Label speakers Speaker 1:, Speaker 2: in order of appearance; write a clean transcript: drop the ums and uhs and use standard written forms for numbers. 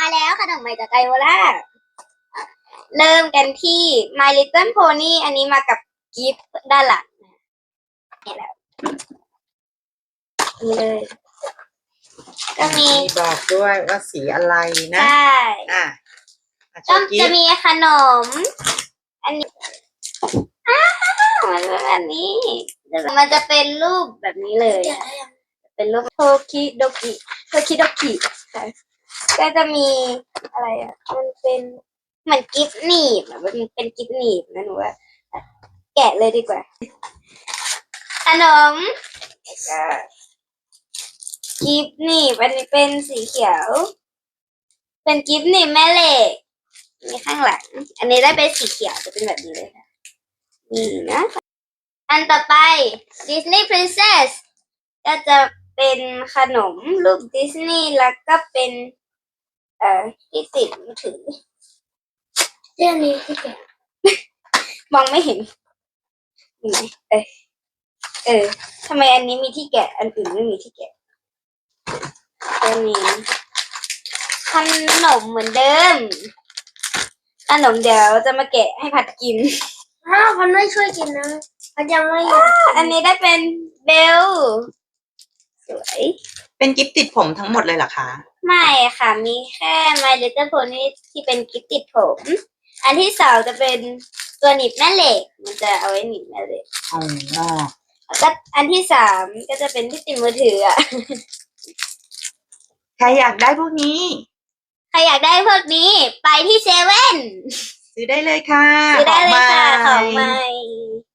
Speaker 1: แล้วขนมใหม่จากไกโอล่าเริ่มกันที่ My Little Pony อันนี้มากับกิฟต์ด้านหลังนี่แหละนี่เลยก็มี
Speaker 2: บอกด้วยว่าสีอะไรนะ
Speaker 1: ใช่
Speaker 2: ก็
Speaker 1: จะมีขนมอันนี้มันเป็นแบบนี้มันจะเป็นรูปแบบนี้เลยเป็นรูปโทคิโดกิก็จะมีอะไรอ่ะมันเป็นเหมือนกิฟต์หนีบมันเป็นกิฟต์หนีบนะหนูว่าแกะเลยดีกว่าขนมกิฟต์หนีบอันนี้เป็นสีเขียวเป็นกิฟต์หนีบแม่เหล็กมีข้างหลังอันนี้ได้เป็นสีเขียวจะเป็นแบบนี้เลยค่ะนี่นะอันต่อไป Disney Princess ก็จะเป็นขนมรูปดิสนีย์แล้วก็เป็นที่ติดมือถือเรื่องนี้ที่แกมองไม่เห็นเห็นไหมทำไมอันนี้มีที่แกะอันอื่นไม่มีที่แกะตัวนี้ขนมเหมือนเดิมขนมเดี๋ยวจะมาแกะให้ผัดกินพันไม่ช่วยกินนะพันยังไม่อันนี้ได้เป็นเบลสวย
Speaker 2: เป็นกิฟต์ติดผมทั้งหมดเลยเหรอคะ
Speaker 1: ไม่ค่ะมีแค่ My Little Pony ที่เป็นกิฟต์ติดผมอันที่สองจะเป็นตัวหนีบแม่เหล็กมันจะเอาไว้หนีบแม่เหล็กแล้วก็อันที่สามก็จะเป็นที่ติดมือถือ
Speaker 2: ใครอยากได้พวกนี้
Speaker 1: ไปที่เซเว่น
Speaker 2: ซื้อได้เลยค่ะ
Speaker 1: ซื้อได้เลยค่ะของใหม่